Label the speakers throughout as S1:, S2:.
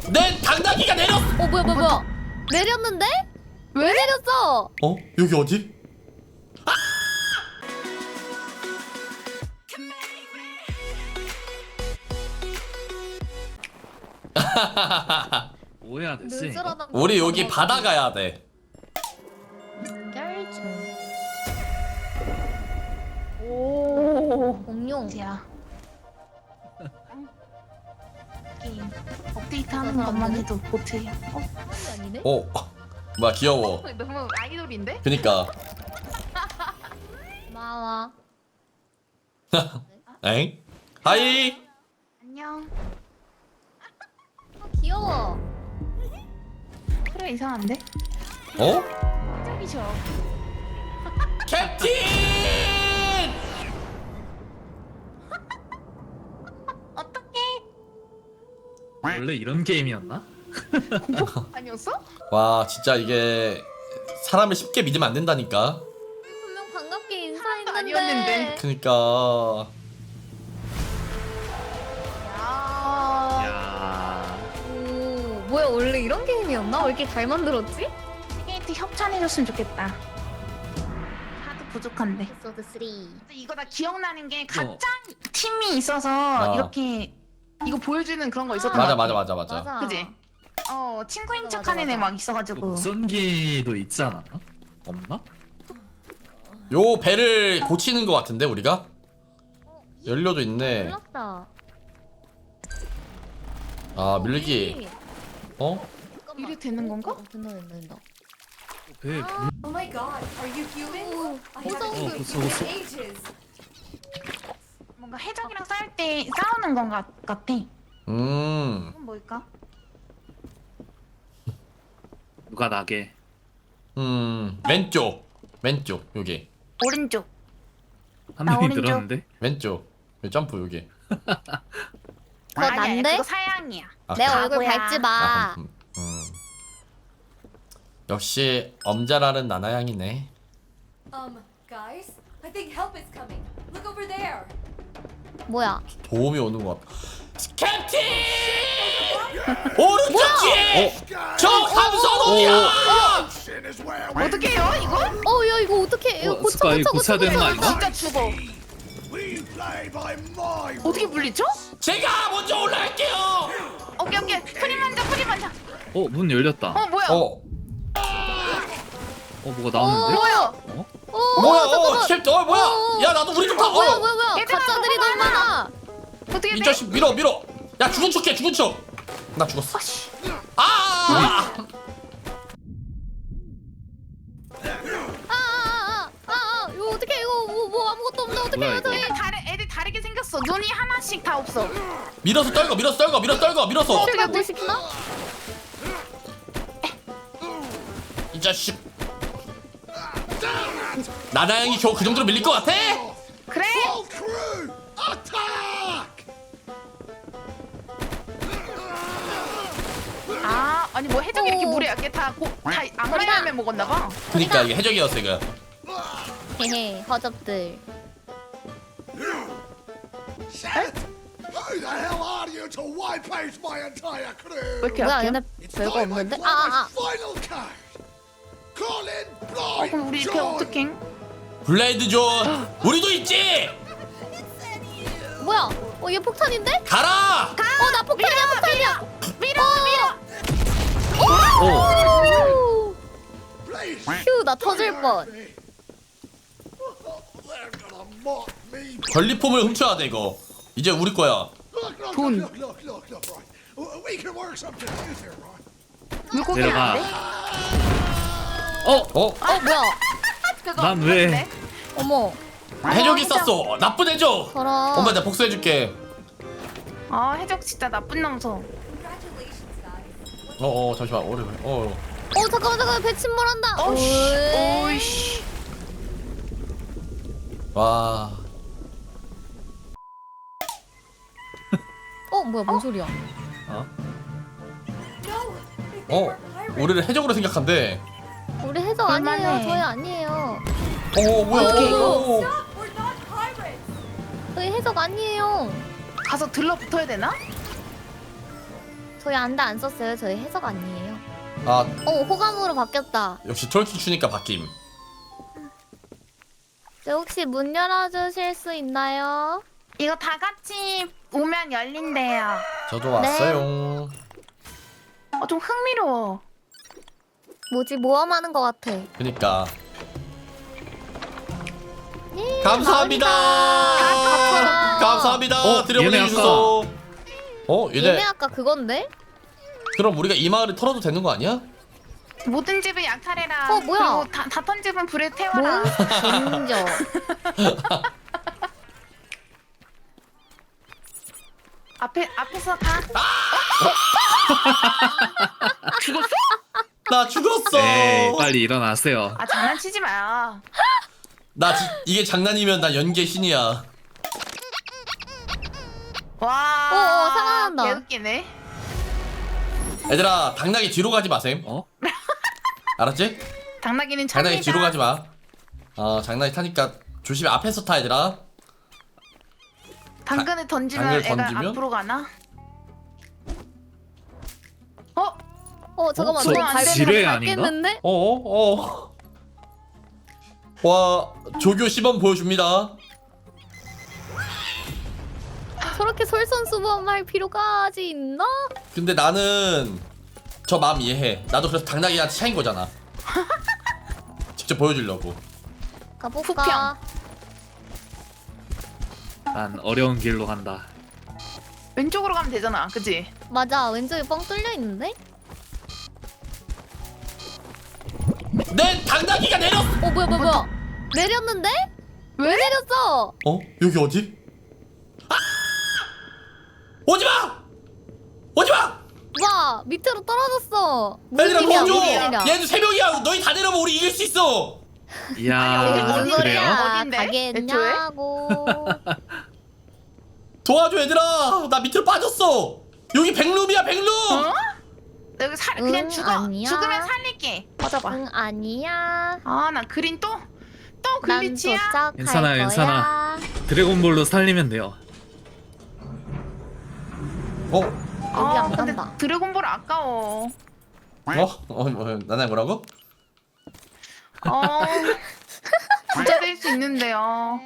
S1: 내 당나귀가 내렸어.
S2: 뭐야. 내렸는데? 왜 내렸어?
S1: 어? 여기 어디?
S3: 뭐 해야 되지?
S2: 느슨하다.
S1: 우리 여기 바다 가야 돼.
S2: 결정. 오, 공룡.
S4: 야 게임 업데이트하는 것만 해도 못해요.
S2: 아니네?
S1: 오, 뭐야 귀여워.
S4: 너무 아이돌인데?
S1: 그니까.
S2: 고마워.
S1: 엥? 하이.
S4: 안녕.
S2: 귀여워.
S4: 그래 이상한데?
S1: 어?
S4: 짝이죠.
S1: 캡틴!
S4: 어떡해?
S3: 원래 이런 게임이었나?
S4: 아니었어?
S1: 와 진짜 이게 사람을 쉽게 믿으면 안 된다니까.
S2: 분명 반갑게 인사했는데.
S4: 아니었는데.
S1: 그니까.
S4: 야.
S3: 야.
S2: 오, 뭐야 원래 이런 게임이었나? 왜 이렇게 잘 만들었지?
S4: 게이트 협찬해줬으면 좋겠다. 하도 부족한데.
S2: 에피소드 3.
S4: 이거 나 기억나는 게 가짱 팀이 있어서 이렇게 이거 보여주는 그런 거 있었던
S1: 맞아
S4: 것 같아.
S1: 맞아.
S4: 그지? 친구인
S2: 맞아,
S4: 척하는 애
S2: 맞아.
S4: 막 있어가지고.
S3: 무전기도 있지 않았나? 없나?
S1: 요 배를 고치는 거 같은데 우리가? 연료도 있네.
S2: 몰랐다.
S1: 아 밀기. 어?
S4: 이래 되는 건가?
S2: 된다.
S3: 배
S5: Oh my god, are you human? I
S2: 무서워.
S5: haven't seen
S3: 무서워,
S5: you
S3: 무서워.
S5: in ages.
S4: 뭔가 해적이랑 싸울 때 싸우는 건 같아. 그건 뭘까?
S3: 누가 나게?
S1: 왼쪽 여기
S4: 오른쪽.
S3: 한
S4: 나
S3: 명이
S4: 오른쪽.
S3: 늘었는데?
S1: 왼쪽 여기 점프 여기.
S2: 그거 난데?
S4: 그거 사양이야.
S1: 아,
S2: 내
S1: 그래?
S2: 얼굴
S4: 바보야.
S2: 밟지 마.
S1: 역시 엄자라는 나나양이네.
S5: Guys, I think help is coming. Look over there.
S2: 뭐야?
S1: 도움이 오는 것 같아. 캡틴! 오른쪽 뒤에! 저 함선호야!
S4: 어떻게 해요 이거?
S2: 야 이거 어떻게? 이거 고쳐
S3: 스파이
S2: 고쳐
S3: 고쳐야 되는 거 아닌가?
S4: 진짜 죽어. 어떻게 물리죠?
S1: 제가 먼저 올라갈게요!
S4: 오케이. 프리 먼저.
S3: 문 열렸다.
S4: 뭐야?
S3: 뭐가 나오는데?
S4: 뭐야?
S1: 뭐야?
S2: 잠깐만.
S1: 캡틴 뭐야? 야 나도 우리 좀 타!
S2: 뭐야?
S4: 얘들아,
S2: 가짜들이 너무 많아.
S4: 어떻게
S1: 이
S4: 돼?
S1: 자식 밀어! 야 죽은 척해 죽은 척! 나 죽었어.
S4: 아씨.
S2: 이거 어떻게 이거 뭐 아무것도 없네 어떻게
S3: 뭐야,
S2: 해요
S3: 이거?
S2: 저희?
S4: 애들 다르게 생겼어. 눈이 하나씩 다 없어.
S1: 밀어서 밀어서
S2: 어떻게 뭐 시키나?
S1: 이 자식. 나나양이 겨우 그 정도로 밀릴 것 같아?
S4: 그래? 아니 뭐 해적이 이렇게 물에 약게 다 악마열매 먹었나 봐.
S1: 그니까 이게 해적이었어 이거.
S2: 헤헤 허접들.
S6: Who the hell are you to wipe out my entire crew?
S4: 왜 이렇게
S2: 뭐야
S4: 약해?
S2: 얘네
S6: It's
S2: 별거
S6: time I
S2: 없는데?
S6: play my final card. Call in blind
S4: 그럼 우리 이렇게
S6: John.
S4: 어떡해?
S1: 블레이드 존 우리도 있지.
S2: 뭐야? 얘 폭탄인데?
S1: 가라.
S2: 나 폭탄이야.
S4: 밀어.
S6: Please.
S2: 휴, 나 터질 뻔.
S6: They're gonna mock me.
S1: 전리품을 훔쳐야 돼 이거. 이제 우리 거야.
S6: Look, right. We can work something out here, right?
S4: 물고기
S3: 내려가.
S4: 안 돼?
S2: 뭐야?
S4: 그거
S3: 난 왜?
S4: 없는데?
S2: 어머,
S1: 해적이 쌌어. 나쁜 해적.
S2: 저런.
S1: 엄마 내가 복수해줄게.
S4: 해적 진짜 나쁜 놈소.
S5: Congratulations, guys.
S1: 잠시만.
S2: 잠깐만, 배 침몰한다.
S4: 오이씨.
S1: 와.
S2: 뭐야, 뭔 소리야?
S5: No, they
S1: 어,
S5: were pirates.
S1: 우리를 해적으로 생각한대.
S2: 우리 해적 아니에요.
S4: 얼마네.
S2: 저희 아니에요.
S1: 뭐야?
S4: 어떻게 이거?
S5: Stop, we're not pirates.
S2: 저희 해적 아니에요.
S4: 가서 들러붙어야 되나?
S2: 저희 안대 안 썼어요. 저희 해석 아니에요.
S1: 아
S2: 호감으로 바뀌었다.
S1: 역시 트월킹 추니까 바뀜.
S2: 저 혹시 문 열어주실 수 있나요?
S4: 이거 다 같이 오면 열린대요.
S1: 저도 왔어요.
S4: 좀 흥미로워.
S2: 뭐지 모험하는 것 같아.
S1: 그니까
S2: 예,
S1: 감사합니다. 감사합니다. 들여보내
S3: 얘네
S1: 주셔서. 얘네
S2: 얘네 아까 그건데?
S1: 그럼 우리가 이 마을을 털어도 되는 거 아니야?
S4: 모든 집을 약탈해라.
S2: 뭐야?
S4: 그리고 다 던집은 불에 태워라.
S2: 몬스터.
S4: 앞에서 가. 죽었어?
S1: 나 죽었어.
S3: 에이 빨리 일어나세요.
S4: 장난치지 마요.
S1: 이게 장난이면 나 연계 신이야.
S4: 와.
S2: 살아난다.
S4: 개웃기네.
S1: 얘들아 당나귀 뒤로 가지 마셈. 알았지?
S4: 당나귀는
S1: 장난이
S4: 찹니다.
S1: 뒤로 가지 마. 장난이 타니까 조심히 앞에서 타 얘들아.
S4: 당근을 던지면
S1: 당근을
S4: 애가
S1: 던지면?
S4: 앞으로 가나?
S2: 잠깐만.
S3: 저
S2: 저거 밟-
S3: 지뢰 아닌가?
S2: 밟겠는데?
S1: 와 조교 시범 보여줍니다.
S2: 저렇게 솔선수범할 필요까지 있나?
S1: 근데 나는 저 마음 이해해. 나도 그래서 당나귀한테 차인 거잖아. 직접 보여주려고.
S2: 가볼까?
S3: 난 어려운 길로 간다.
S4: 왼쪽으로 가면 되잖아, 그치?
S2: 맞아. 왼쪽에 뻥 뚫려 있는데?
S1: 내 당나귀가 내렸어.
S2: 뭐야? 내렸는데? 왜 내렸어?
S1: 여기 어디? 오지마! 오지마!
S2: 와 밑으로 떨어졌어.
S1: 얘들아
S2: 무슨 일이야,
S1: 도와줘!
S2: 무슨 일이야.
S1: 얘들 3명이야. 너희 다 내려면 우리 이길 수 있어.
S3: 이야
S2: 무슨
S4: 어디야?
S2: 소리야?
S4: 어딘데?
S2: 가겠냐고.
S1: 도와줘 얘들아. 나 밑으로 빠졌어. 여기 백룸이야 백룸.
S4: 여기 그냥 죽어.
S2: 아니야.
S4: 죽으면 살릴게. 맞아봐.
S2: 응 아니야.
S4: 나 그린 또
S2: 난
S4: 글리치야?
S2: 도착할
S3: 괜찮아,
S2: 거야.
S3: 괜찮아. 드래곤볼로 살리면 돼요.
S2: 여기 안
S4: 근데
S2: 간다.
S4: 드래곤볼 아까워.
S1: 나나 뭐라고?
S4: 부자 될 수 있는데요.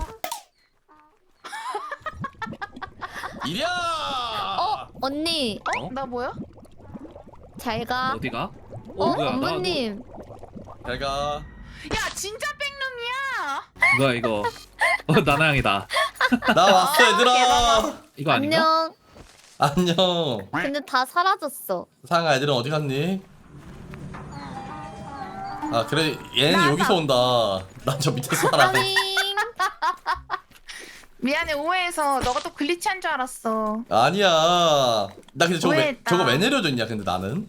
S1: 이리야.
S2: 언니
S4: 나 뭐야?
S2: 잘 가.
S3: 어디가?
S2: 어?
S3: 뭐야
S2: 어머님.
S1: 잘가.
S4: 야 진짜 백룸이야.
S3: 뭐야 이거? 나나양이다.
S1: 나 왔어 얘들아.
S3: 이거 아닌가?
S2: 안녕.
S1: 안녕.
S2: 근데 다 사라졌어.
S1: 상아 애들은 어디 갔니? 그래 얘는 여기서 온다. 난 저 밑에서 살아.
S2: 아잉.
S4: 미안해 오해해서 너가 또 글리치한 줄 알았어.
S1: 아니야. 나 근데
S4: 오해했다.
S1: 저거 왜 내려줬냐 근데 나는.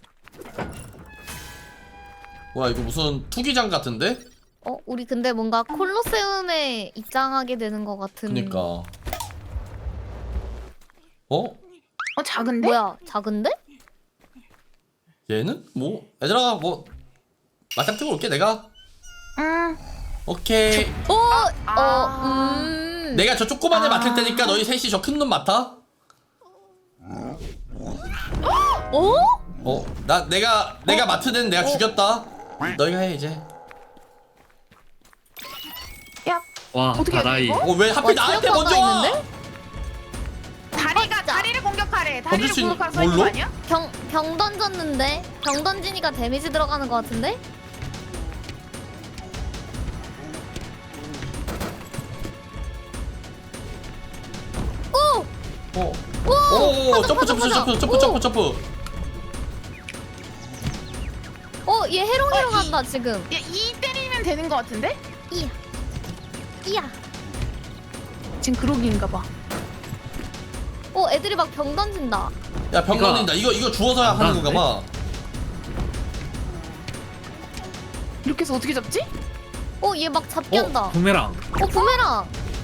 S1: 와 이거 무슨 투기장 같은데?
S2: 우리 근데 뭔가 콜로세움에 입장하게 되는 것 같은.
S1: 그니까.
S4: 작은데?
S2: 뭐야? 작은데?
S1: 얘는? 뭐 얘들아 뭐 맞짱 뜨고 올게 내가.
S4: 응.
S1: 오케이. 내가 저 조그만 애 맡을 테니까 너희 셋이 저 큰 놈 맡아. 내가 맡은 애는 내가 죽였다. 너희가 해 이제.
S4: 야
S3: 와
S4: 어떻게
S3: 다다이.
S4: 해야 돼,
S1: 왜 하필 나한테
S2: 체력
S1: 먼저 와?
S2: 있는데?
S4: 다리를 공격하래.
S1: 던질
S4: 다리를
S1: 수 있는-
S4: 공격하라 서 있는 거
S1: 뭘로?
S4: 아니야?
S2: 병 던졌는데? 병 던지니까 데미지 들어가는 것 같은데?
S1: 오, 점프.
S2: 얘 해롱해롱 한다 지금.
S4: 야, 이 때리면 되는 거 같은데?
S2: 이야.
S4: 지금 그러기인가 봐.
S2: 애들이 막 병 던진다.
S1: 야, 병 던진다. 이거 주워서야 하는 건가 봐.
S4: 이렇게 해서 어떻게 잡지?
S2: 얘 막 잡기 한다.
S3: 부메랑.
S2: 부메랑.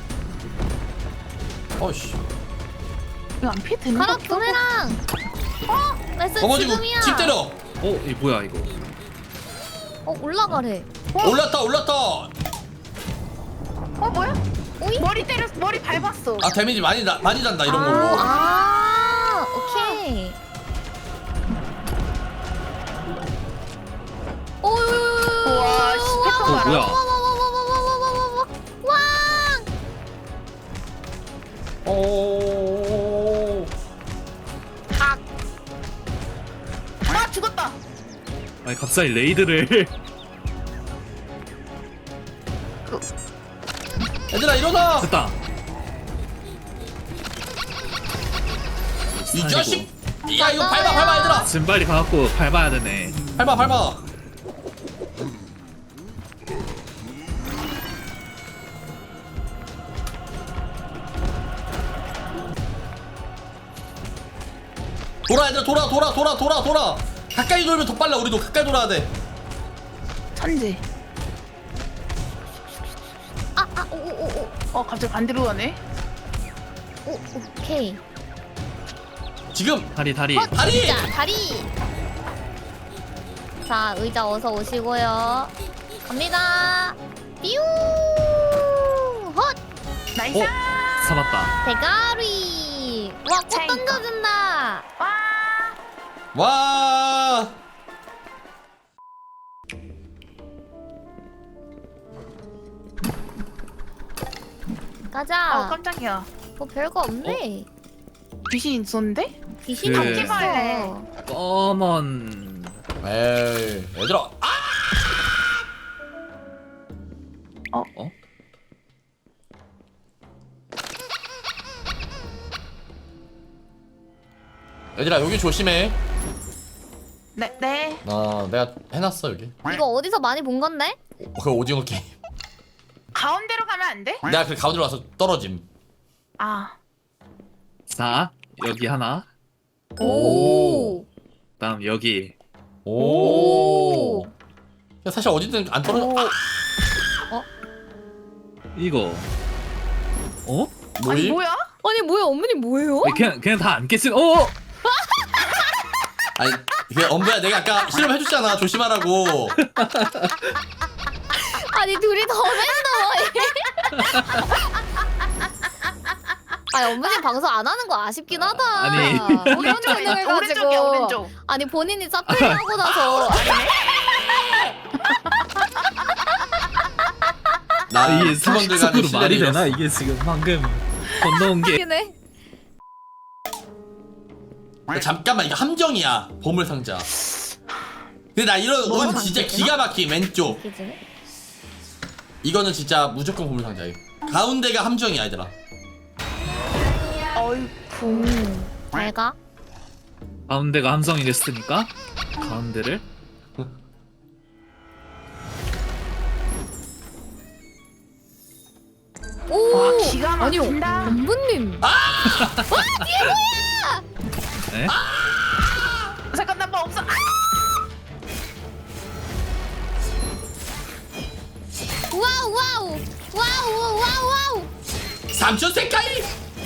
S1: 어이씨.
S4: 이거 안 피해 되는
S2: 가라
S4: 거 같아.
S2: 부메랑. 나이스
S1: 어머지고
S2: 지금이야.
S1: 집 때려.
S3: 이 뭐야 이거?
S2: 올라가래.
S1: 올랐다.
S4: 뭐야?
S2: 오이?
S4: 머리 밟았어.
S1: 데미지 많이 난다 이런 걸로.
S2: 오케이.
S3: 뭐야?
S2: 와와와와와와와와와 왕.
S1: 오.
S4: 아 죽었다.
S3: 아니 갑자기 레이드를.
S1: 얘들아 일어나.
S3: 됐다.
S1: 이 자식. 야 이거 밟아 얘들아.
S3: 지금 빨리 가갖고 밟아야 되네.
S1: 밟아. 돌아 얘들아 돌아. 가까이 돌면 더 빨라. 우리도 가까이 돌아야 돼.
S4: 천재.
S2: 오오오오
S4: 갑자기 반대로 가네.
S2: 오 오케이.
S1: 지금
S3: 다리.
S1: 다리.
S2: 자 다리. 자 의자 어서 오시고요. 갑니다. 뾰. 헛.
S4: 나이스.
S3: 잡았다.
S2: 대가리. 와 꽃
S4: 차이가.
S2: 던져준다.
S4: 와.
S1: 와.
S2: 가자.
S4: 깜짝이야.
S2: 뭐 별거 없네.
S4: 귀신 있었는데?
S2: 귀신이
S3: 그-
S2: 없겠어.
S4: 바퀴벌레.
S3: 검은.
S1: 에이 얘들아. 얘들아 여기 조심해.
S4: 네.
S1: 내가 해놨어 여기.
S2: 이거 어디서 많이 본 건데?
S1: 그 오징어 게임.
S4: 가운데로 가면 안 돼?
S1: 내가 그 가운데로 와서 떨어짐.
S4: 아.
S3: 자 여기 하나.
S2: 오.
S3: 다음 여기.
S1: 오. 야, 사실 어디든 안 떨어져.
S3: 이거. 어?
S4: 아니
S1: 뭐임?
S4: 뭐야?
S2: 아니 뭐야 어머님 뭐예요?
S3: 그냥 다 안 깨진.
S1: 아니 이게 엄부야 내가 아까 실험해줬잖아 조심하라고.
S2: 아니 둘이 더 랜덤해. 아니 어머님 방송 안 하는 거 아쉽긴 하다.
S3: 아니.
S2: 이런 재능을 가지고.
S4: 오른쪽이야 오른쪽.
S2: 아니 본인이 서클 하고 나서.
S1: 나
S3: 이게
S1: 팀원들 간의
S3: 상식적으로 말이
S1: 신뢰를
S3: 되나?
S1: 잃었어.
S3: 이게 지금 방금 건너온 게.
S2: 이네.
S1: 야, 잠깐만 이거 함정이야 보물 상자. 근데 나 이런 은 진짜 기가 막힌 왼쪽.
S2: 기준에?
S1: 이거는 진짜 무조건 보물 상자야. 가운데가 함정이야 얘들아.
S4: 어이구.
S2: 잘 가.
S3: 가운데가 함성이 됐으니까 가운데를.
S2: 오.
S4: 와 기가
S2: 아니요.
S4: 막힌다.
S2: 엄부님.
S3: 네?
S4: 잠깐 나뭐 없어.
S2: 와우.
S1: 삼촌 색깔이.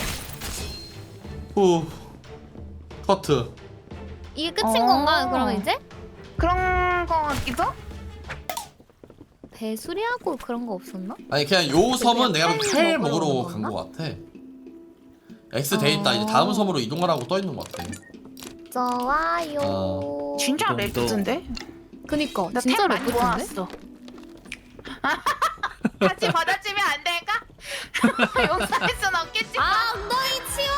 S1: 후. 커트.
S2: 이게 끝인 건가? 그러면 이제?
S4: 그런 거 같기도?
S2: 배수리하고 그런 거 없었나?
S1: 아니 그냥 요 섬은 내가
S2: 팔
S1: 칼
S2: 먹으러
S1: 먹으러
S2: 오는
S1: 간
S2: 건가?
S1: 거 같아. X 돼 있다. 이제 다음 섬으로 이동하라고 떠 있는 거 같아.
S2: 좋아요.
S4: 진짜
S3: 좀 더.
S4: 레프트인데?
S2: 그니까
S4: 나
S2: 진짜
S4: 템 많이
S2: 레프트인데?
S4: 모았어. 같이 받아주면 안 될까? 용서할 순 없겠지.
S2: 아 엉덩이 치워!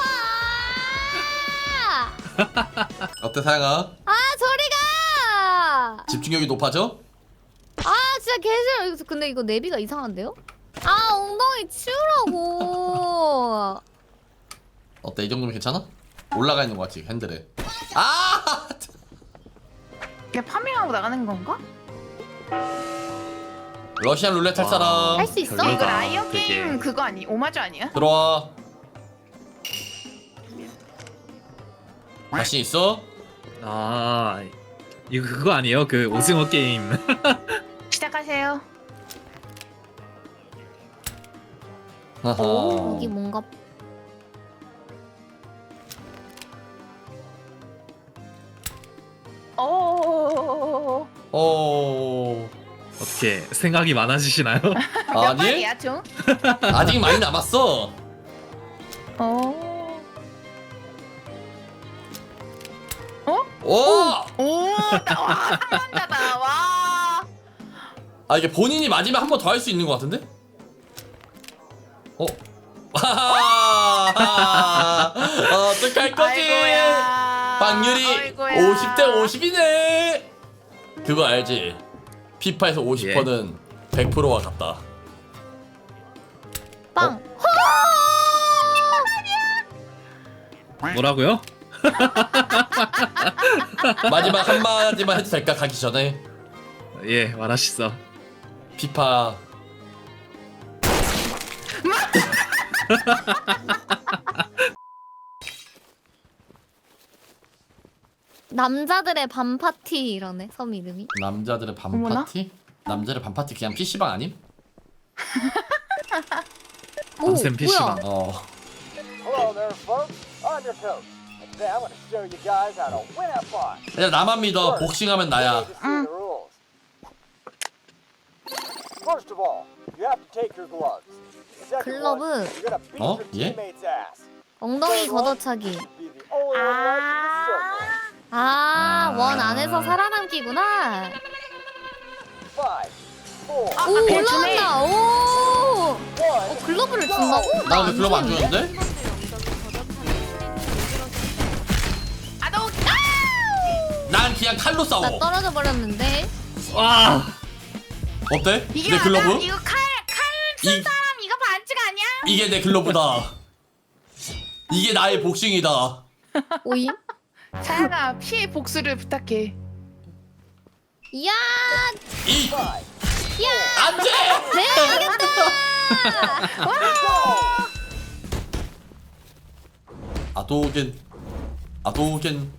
S1: 어때 사양아?
S2: 아 저리가!
S1: 집중력이 높아져?
S2: 아 진짜 개싫어. 근데 이거 내비가 이상한데요? 아 엉덩이 치우라고.
S1: 어때 이 정도면 괜찮아? 올라가 있는 거 같지 핸들에. 아!
S4: 그냥 파밍하고 나가는 건가?
S1: 러시안 룰렛 할
S3: 와.
S1: 사람
S2: 할 수 있어?
S3: 별로다.
S4: 이거 라이어
S3: 되게.
S4: 게임 그거 아니? 오마주 아니야?
S1: 들어와. 자신 있어?
S3: 아 이거 그거 아니에요? 그 오징어 게임.
S4: 시작하세요.
S1: 하하.
S2: 여기 뭔가
S4: 오.
S1: 어.
S3: 어떻게 생각이 많아지시나요?
S4: 몇
S1: 아니
S4: 발이야 총?
S1: 아직 많이 남았어.
S4: 오.
S1: 오!
S4: 오. 와 상남자다. 와.
S1: 아 이게 본인이 맞으면 한 번 더 할 수 있는 것 같은데? 어? 어떡할 거지?
S4: 아이고야.
S1: 확률이
S4: 아이고야.
S1: 50대 50이네. 그거 알지? 피파에서 50%는 100%와 같다.
S2: 빵.
S3: 뭐라고요?
S1: 마지막 한마디만 해도 될까? 가기 전에
S3: 예, 말하시죠.
S1: 피파
S2: 남자들의 밤 파티 이러네 섬 이름이.
S1: 남자들의 밤
S4: 어머나?
S1: 파티? 남자들의 밤 파티 그냥 PC방 아님?
S3: 밤샘 PC방.
S1: 어.
S7: Hello there, folks. I'm your coach. And today I'm going to show you guys how to win at fun.
S1: 그냥 나만 믿어. 복싱하면 나야.
S7: You need to see the rules. First of all, you have to take your gloves. Second one,
S2: 글러브.
S7: you're going to beat
S1: 어?
S7: your
S1: 예?
S7: teammate's ass.
S2: 엉덩이 걷어차기.
S7: Be the only one left in the circle.
S2: 아, 원 안에서 살아남기구나.
S7: 5, 4,
S2: 오,
S4: 배 주네.
S2: 올라간다. 오.
S7: 1.
S2: 글러브를 준다고?
S1: 나 근데 글러브 안
S2: 주는데?
S1: 주는데?
S4: 아, 너
S1: 난 그냥 칼로 싸워.
S2: 나 떨어져 버렸는데.
S3: 와.
S1: 어때?
S4: 이게
S1: 내
S4: 맞아?
S1: 글러브?
S4: 이거 칼쓴
S1: 이-
S4: 사람 이거 반칙 아니야?
S1: 이게 내 글러브다. 이게 나의 복싱이다.
S2: 오잉?
S4: 사야가 피해 복수를 부탁해.
S2: 이야,
S1: 이
S2: 야,
S1: 안돼.
S2: 내가 이겼다.
S1: 아도겐.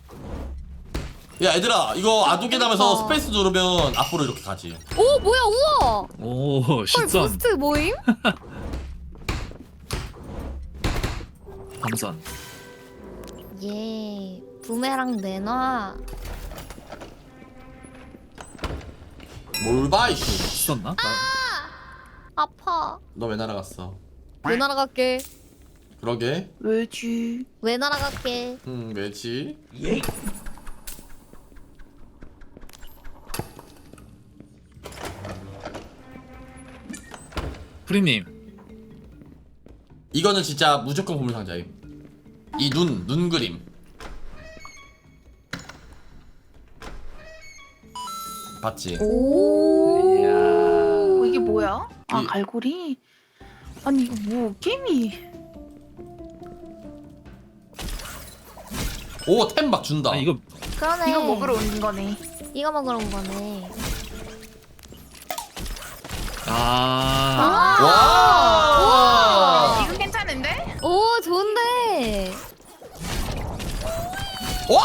S1: 야 얘들아 이거 아도겐 하면서 스페이스 누르면 앞으로 이렇게 가지.
S2: 오, 뭐야, 우와.
S3: 오,
S2: 헐,
S3: 신선.
S2: 부스트 모임?
S3: 감선.
S2: 예, 부메랑 내놔.
S1: 뭘 봐 이씨.
S3: 있었나?
S2: 아파.
S1: 너 왜 날아갔어?
S2: 왜 날아갈게?
S1: 그러게.
S4: 왜지?
S2: 왜 날아갈게?
S1: 왜지?
S3: 프리님.
S1: 이거는 진짜 무조건 보물 상자임. 이 눈 그림. 봤지?
S2: 오.
S4: 어, 이게 뭐야? 아,
S1: 이-
S4: 갈고리? 아니 이거 뭐 게임이?
S1: 오 템 막 준다.
S3: 아, 이거
S2: 그러네.
S4: 이거 먹으러 온 거네.
S2: 이거 먹으러 온 거네.
S3: 아.
S1: 와.
S4: 이거 괜찮은데?
S2: 오, 좋은데.
S1: 와.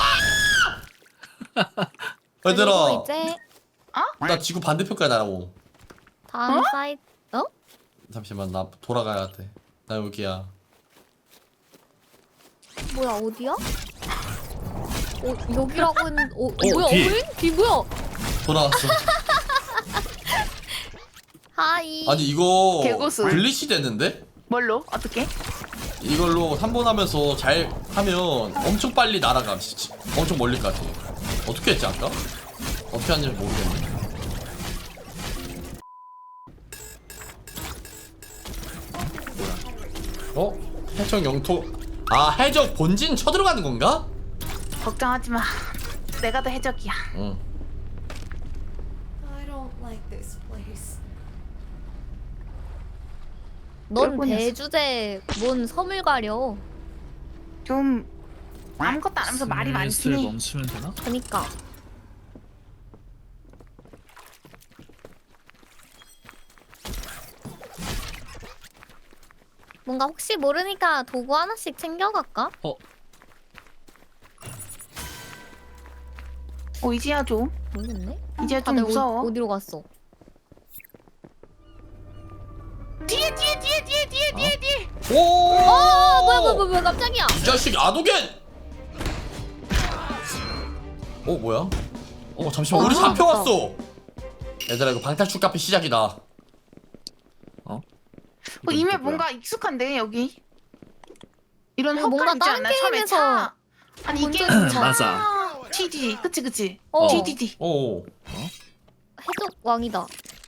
S2: 그리고
S1: 얘들아
S2: 이제
S1: 나 지구 반대편까지 날아오.
S2: 다음 사이트. 어?
S1: 잠시만 나 돌아가야 돼. 나 여기야.
S2: 뭐야, 어디야? 여기라고 했는데. 뭐야,
S3: 뒤.
S2: 뒤 뭐야?
S1: 돌아왔어.
S2: 하이.
S1: 아니 이거
S4: 개고수.
S1: 글리치 됐는데?
S4: 뭘로? 어떻게?
S1: 이걸로 3번 하면서 잘 하면 엄청 빨리 날아가. 진짜. 엄청 멀리까지. 어떻게 했지 아까? 어떻게 하는지 모르겠네. 어? 해적 영토. 아 해적 본진 쳐들어가는 건가?
S4: 걱정하지 마. 내가 더 해적이야.
S1: 응.
S5: I don't like this place.
S2: 넌
S4: 몇 번이었어?
S2: 대주제 뭔 섬을 가려.
S4: 좀 아무것도 안 하면서 말이 많긴
S3: 슬슬
S4: 해.
S3: 멈추면 되나?
S2: 그니까. 뭔가 혹시 모르니까 도구 하나씩 챙겨갈까?
S4: 이지야 좀.
S2: 모르겠네.
S4: 이지야 좀
S2: 다들
S4: 무서워.
S2: 어디로 갔어?
S4: 뒤에
S1: 오!
S2: 뭐야, 깜짝이야.
S1: 이 자식 아도겐! 뭐야? 잠시만 우리
S2: 아,
S1: 잡혀왔어. 얘들아 이거 방탈출 카페 시작이다.
S4: 이메 뭔가 익숙한데 여기. 이런
S2: 이거 뭔가
S4: 헛간 있지
S2: 다른
S4: 않나? 처음에
S2: 게임에서
S4: 차. 아니
S2: 본
S4: 이게
S2: 적 있잖아.
S3: 맞아.
S4: TD 그치.
S2: 어.
S4: TDD.
S1: 오.
S2: 해적 왕이다.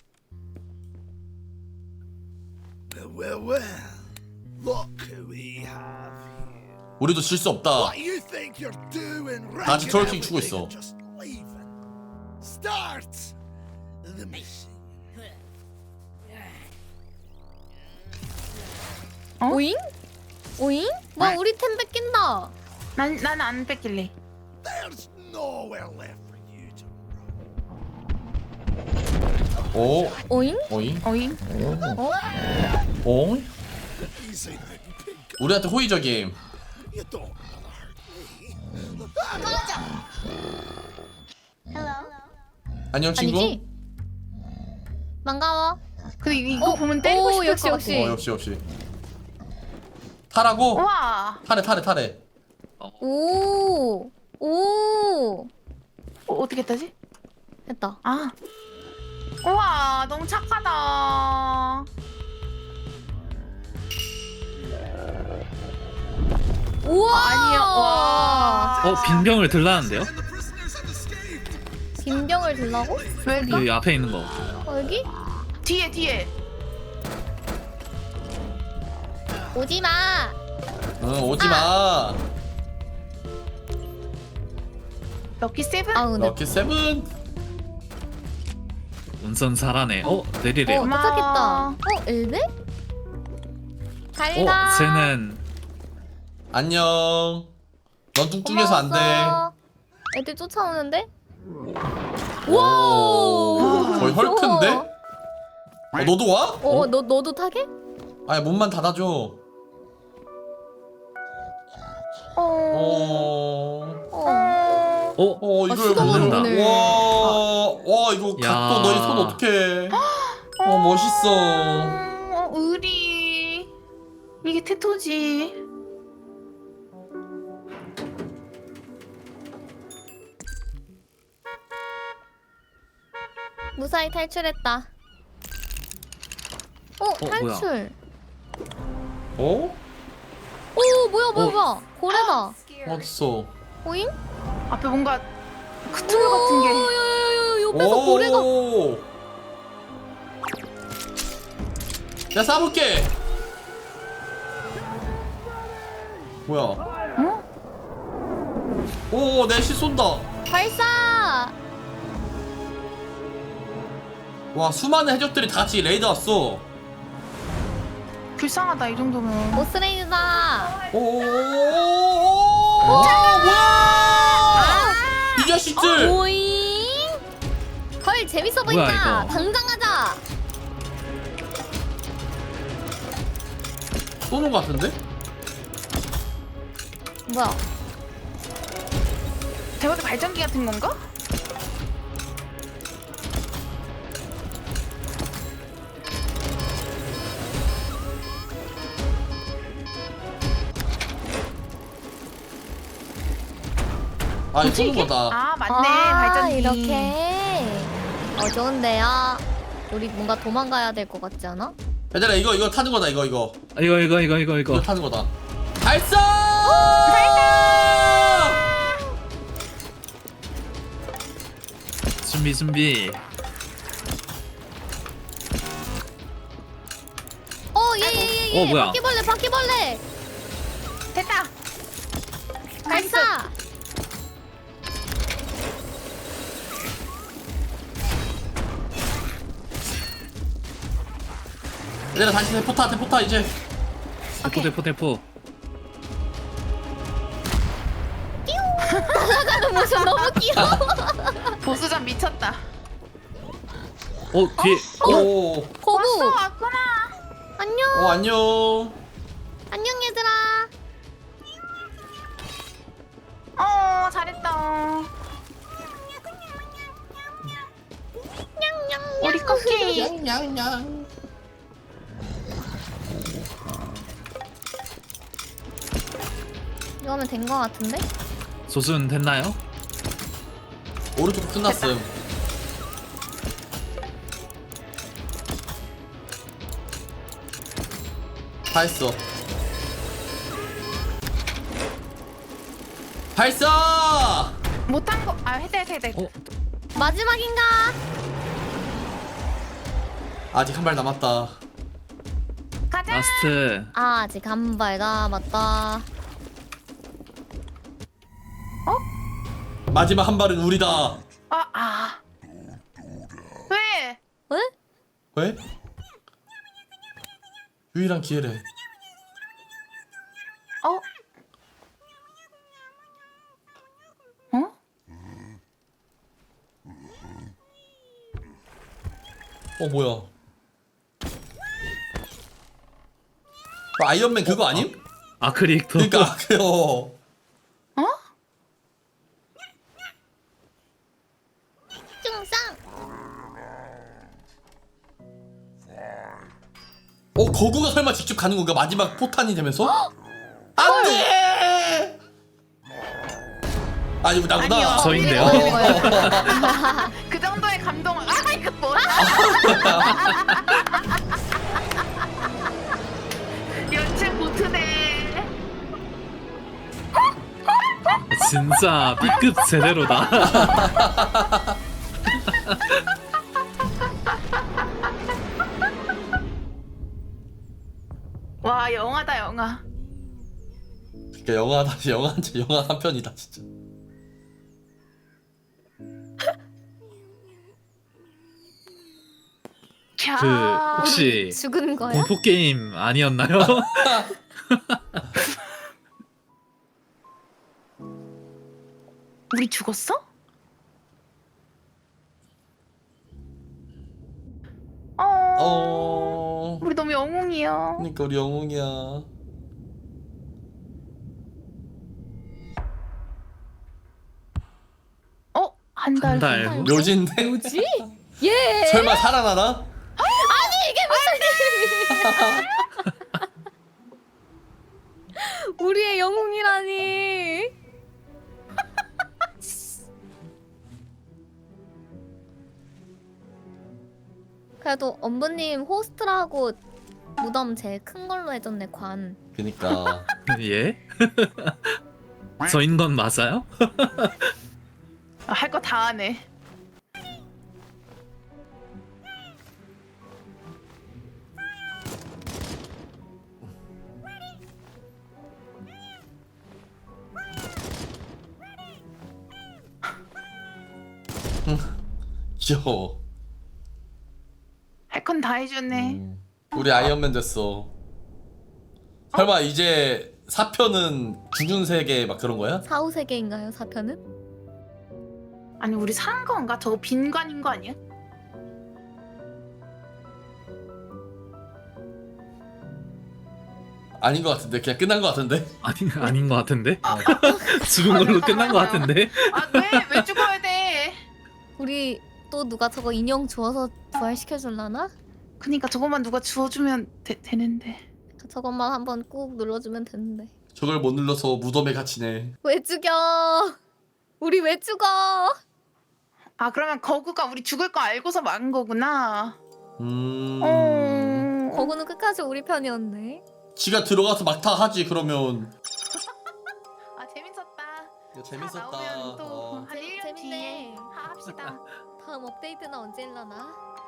S6: Well. Look who we have here.
S1: 우리도 질 수 없다.
S6: What you think you're doing?
S1: 다 같이 트월킹 추고
S6: wrecking
S1: 있어.
S6: everything and just leaving. Start the mission.
S2: 오잉? 오잉? 뭐 우리 템 뺏긴다.
S4: 난 안 뺏길래.
S6: There's nowhere left for you to
S1: 오,
S2: 오잉?
S1: 오잉,
S4: 어잉?
S1: 오잉.
S6: easy then, pig.
S1: 우리한테 호의적임.
S6: You don't wanna hurt me.
S1: 안녕 친구.
S2: 아니지? 반가워.
S4: 근데 이거 보면 때리고 싶을
S2: 역시
S4: 것
S2: 역시.
S1: 역시. 타라고?
S4: 우와.
S1: 타래.
S2: 오. 오.
S4: 어떻게 했다지?
S2: 했다.
S4: 아. 우와, 너무 착하다.
S2: 우와.
S4: 아니요. 와.
S3: 빈병을 들라는데요?
S6: And the prisoners have escaped.
S2: 빈병을 들라고?
S4: 왜?
S3: 여기 앞에 있는 거.
S2: 여기?
S4: 뒤에.
S2: 오지 마.
S1: 응, 오지 마.
S4: 럭키 세븐?
S2: 아 근데
S1: 럭키 세븐.
S3: 운선 잘하네. 내리래요.
S4: 고마워.
S2: 도착했다. 엘베? 잘가.
S3: 쟤는
S1: 안녕. 넌 뚱뚱해서 안 돼.
S2: 애들 쫓아오는데?
S1: 오, 거의 헐크인데? 너도 와?
S2: 너도 타게?
S1: 아니 문만 닫아줘. 이걸
S2: 수동으로
S1: 만든다.
S2: 문을.
S1: 와 이거
S3: 야.
S1: 각도 너희 손 어떡해. 멋있어.
S4: 의리. 이게 테토지.
S2: 무사히 탈출했다. 탈출.
S1: 어?
S2: 오 뭐야. 고래다.
S5: Scared.
S1: 어딨어?
S2: 오잉?
S4: 앞에 뭔가 크툴 같은 게.
S2: 야야야야 옆에서 고래가.
S1: 내가 쏴볼게. 뭐야? 오, 내시 쏜다.
S2: 발사.
S1: 와, 수많은 해적들이 다 같이 레이드 왔어.
S4: 불쌍하다 이 정도면.
S2: 모스레이드다.
S1: 오, 뭐야? 이 자식들.
S2: 오잉? 헐 재밌어
S3: 뭐야,
S2: 보인다.
S3: 이거?
S2: 당장 하자.
S1: 쏘는 것 같은데?
S2: 뭐야?
S4: 대박의 발전기 같은 건가?
S1: 이거 쏘는 거다.
S4: 아 맞네 발전기.
S2: 이렇게. 좋은데요. 우리 뭔가 도망가야 될 것 같지 않아?
S1: 얘들아, 이거 타는 거다, 이거.
S3: 이거.
S1: 이거 타는 거다. 발사!
S3: 준비.
S2: 예예예예.
S3: 뭐야?
S2: 바퀴벌레.
S4: 됐다.
S2: 발사.
S1: 얘들아, 다시 대포타 이제.
S3: 대포.
S2: 나가는 모습 너무 귀여워.
S4: 보스전 미쳤다.
S3: 뒤에.
S1: 오,
S2: 거부.
S4: 왔구나.
S2: 안녕.
S1: 안녕.
S2: 안녕 얘들아.
S4: 잘했다. 우리 쿠키.
S2: 이거 하면 된 거 같은데?
S3: 조준 됐나요?
S1: 오른쪽 끝났음. 다 했어. 발사!
S4: 못한 거. 했다.
S2: 마지막인가?
S1: 아직 한 발 남았다.
S4: 가자.
S3: 라스트.
S2: 아, 아직 한 발 남았다.
S1: 마지막 한 발은 우리다.
S4: 왜?
S2: 왜?
S1: 왜? 유일한 기회래.
S4: 어? 어?
S1: 뭐야? 아이언맨 그거 아님?
S3: 아크릭 더.
S1: 그러니까 그래요.
S4: 어?
S2: 중상.
S1: 거구가 설마 직접 가는 건가? 마지막 포탄이 되면서? 안 돼! 아니 나구나.
S4: 아니요.
S3: 저인데요?
S4: 그 정도의 감동을 이거 뭐야? 연체 보트네.
S3: 진짜 B급 제대로다.
S4: 와 영화다 영화.
S1: 그러니까 영화 한 편이다 진짜.
S4: 캬.
S3: 그 혹시
S2: 죽은 거야?
S3: 공포 게임 아니었나요?
S4: 우리 죽었어? 우리 너무 영웅이야.
S1: 그러니까 우리 영웅이야.
S4: 한 달.
S3: 한 달 후?
S1: 묘진데?
S2: 뭐지? 예.
S1: 설마 살아나나?
S2: 아니 이게 무슨 일이야? 우리의 영웅이라니. 그래도 엄부님 호스트라고 무덤 제일 큰 걸로 해줬네 관.
S1: 그니까
S3: 예? 저인 건 맞아요?
S4: 할 거 다 하네.
S1: 귀여워.
S4: 할 건 다 해주네.
S1: 우리 아이언맨 됐어. 설마 이제 4편은 죽은 세계 막 그런 거야?
S2: 사후 세계인가요 4편은?
S4: 아니 우리 산 건가? 저거 빈관인 거 아니야?
S1: 아닌 것 같은데 그냥 끝난 것 같은데.
S3: 아닌 것 같은데? 죽은 걸로 끝난 것 같은데?
S4: 왜 죽어야 돼?
S2: 우리 또 누가 저거 인형 주워서 부활시켜줄라나?
S4: 그니까 저것만 누가 주워주면 되는데.
S2: 저것만 한번 꾹 눌러주면 되는데.
S1: 저걸 못 눌러서 무덤에 갇히네.
S2: 왜 죽여? 우리 왜 죽어?
S4: 아 그러면 거구가 우리 죽을 거 알고서 막은 거구나.
S2: 거구는 끝까지 우리 편이었네.
S1: 지가 들어가서 막타 하지 그러면.
S4: 아 재밌었다.
S1: 야, 재밌었다.
S4: 나오면 또한 1년
S2: 재밌네.
S4: 뒤에 합시다.
S2: 다음 업데이트는 언제 일라나?